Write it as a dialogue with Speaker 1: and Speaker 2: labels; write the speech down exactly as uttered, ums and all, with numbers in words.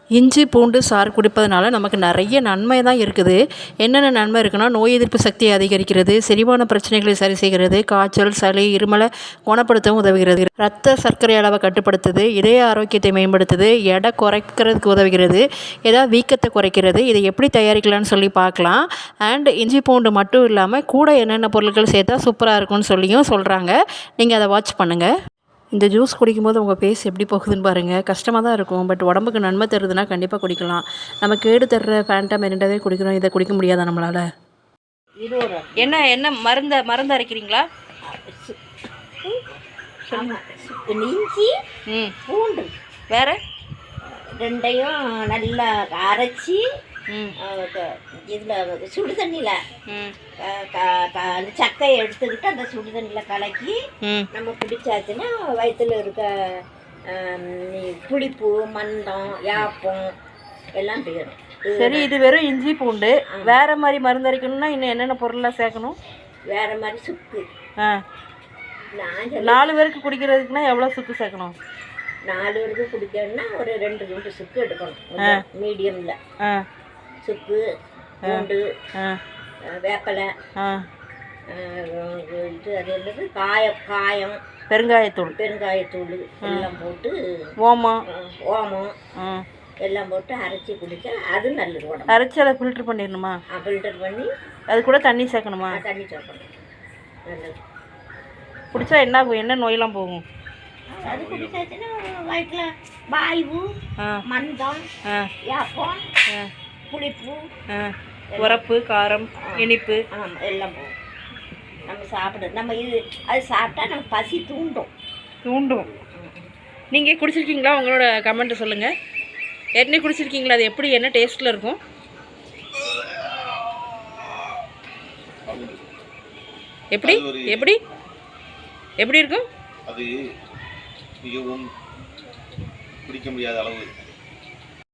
Speaker 1: இஞ்சி பூண்டு சாறு குடிப்பதனால நமக்கு நிறைய நன்மை தான் இருக்குது. என்னென்ன நன்மை இருக்குன்னா, நோய் எதிர்ப்பு சக்தியை அதிகரிக்கிறது, செரிமான பிரச்சனைகளை சரி செய்கிறது, காய்ச்சல், சளி, இருமலை குணப்படுத்தவும் உதவுகிறது, ரத்த சர்க்கரை அளவை கட்டுப்படுத்துது, இதய ஆரோக்கியத்தை மேம்படுத்துது, எடை குறைக்கிறதுக்கு உதவுகிறது, ஏதாவது வீக்கத்தை குறைக்கிறது. இதை எப்படி தயாரிக்கலாம்னு சொல்லி பார்க்கலாம். அண்ட் இஞ்சி பூண்டு மட்டும் இல்லாமல் கூட என்னென்ன பொருட்கள் சேர்த்தா சூப்பராக இருக்கும்னு சொல்லியும் சொல்கிறாங்க. நீங்கள் அதை வாட்ச் பண்ணுங்கள். இந்த ஜூஸ் குடிக்கும்போது உங்கள் ஃபேஸ் எப்படி போகுதுன்னு பாருங்கள். கஷ்டமாக தான் இருக்கும், பட் உடம்புக்கு நன்மை தருதுன்னா கண்டிப்பாக குடிக்கலாம். நம்ம கேடு தர்ற ஃபேண்டா மெரிண்டாவே குடிக்கிறோம், இதை குடிக்க முடியாதா நம்மளால்? என்ன என்ன மருந்த மருந்து அரைக்கிறீங்களா?
Speaker 2: இஞ்சி
Speaker 1: ம்
Speaker 2: பூண்டு
Speaker 1: வேறு
Speaker 2: ரெண்டையும் நல்லா அரைச்சி
Speaker 1: ம்
Speaker 2: இதில் சுடு தண்ணியில்
Speaker 1: ம்
Speaker 2: அந்த சக்கையை எடுத்துக்கிட்டு அந்த சுடு தண்ணியில் கலக்கி
Speaker 1: ம்
Speaker 2: நம்ம குடிச்சாச்சுன்னா வயிற்றுல இருக்க புளிப்பு, மந்தம், யாப்பம் எல்லாம் போயிடும்.
Speaker 1: சரி, இது வெறும் இஞ்சி பூண்டு. வேறு மாதிரி மருந்து அரைக்கணும்னா இன்னும் என்னென்ன பொருள்லாம் சேர்க்கணும்?
Speaker 2: வேறு மாதிரி சுக்கு.
Speaker 1: ஆ
Speaker 2: நான்
Speaker 1: நாலு பேருக்கு குடிக்கிறதுக்குன்னா எவ்வளோ சுக்கு சேர்க்கணும்?
Speaker 2: நாலு பேருக்கு குடிக்கணும்னா ஒரு ரெண்டு ரெண்டு சுக்கு எடுக்கணும், மீடியமில்.
Speaker 1: ஆ
Speaker 2: சுக்கு, பூண்டு,
Speaker 1: ஆ
Speaker 2: வேப்பலை,
Speaker 1: ஆ
Speaker 2: இது அது என்னது காயம் காயம்
Speaker 1: பெருங்காயத்தூள்
Speaker 2: பெருங்காயத்தூள் எல்லாம் போட்டு,
Speaker 1: ஓமம்
Speaker 2: ஓமம்
Speaker 1: ஆ
Speaker 2: எல்லாம் போட்டு அரைச்சி குடித்தா அது நல்லது. உடம்பு
Speaker 1: அரைச்சி அதை ஃபில்ட்ரு பண்ணிடணுமா?
Speaker 2: ஃபில்டர் பண்ணி
Speaker 1: அது கூட தண்ணி சேர்க்கணுமா?
Speaker 2: தண்ணி சேர்க்கணும், நல்லது.
Speaker 1: குடித்தா என்ன ஆகும்? என்ன நோயெல்லாம் போகும்?
Speaker 2: அது குடிச்சாச்சுன்னா வயிற்றில் வாய்வு, மந்தம், யாப்பம், புளிப்பு,
Speaker 1: உரப்பு, காரம், இனிப்பு
Speaker 2: எல்லாம் போகும். நம்ம சாப்பிட நம்ம இது அது சாப்பிட்டா நம்ம பசி தூண்டும்
Speaker 1: தூண்டும் நீங்கள் குடிச்சிருக்கீங்களா? உங்களோட கமெண்ட்டு சொல்லுங்கள். ஏற்கனவே குடிச்சிருக்கீங்களா? அது எப்படி, என்ன டேஸ்ட்டில் இருக்கும்? எப்படி எப்படி எப்படி இருக்கும்?
Speaker 3: அது மிகவும் குடிக்க முடியாத அளவு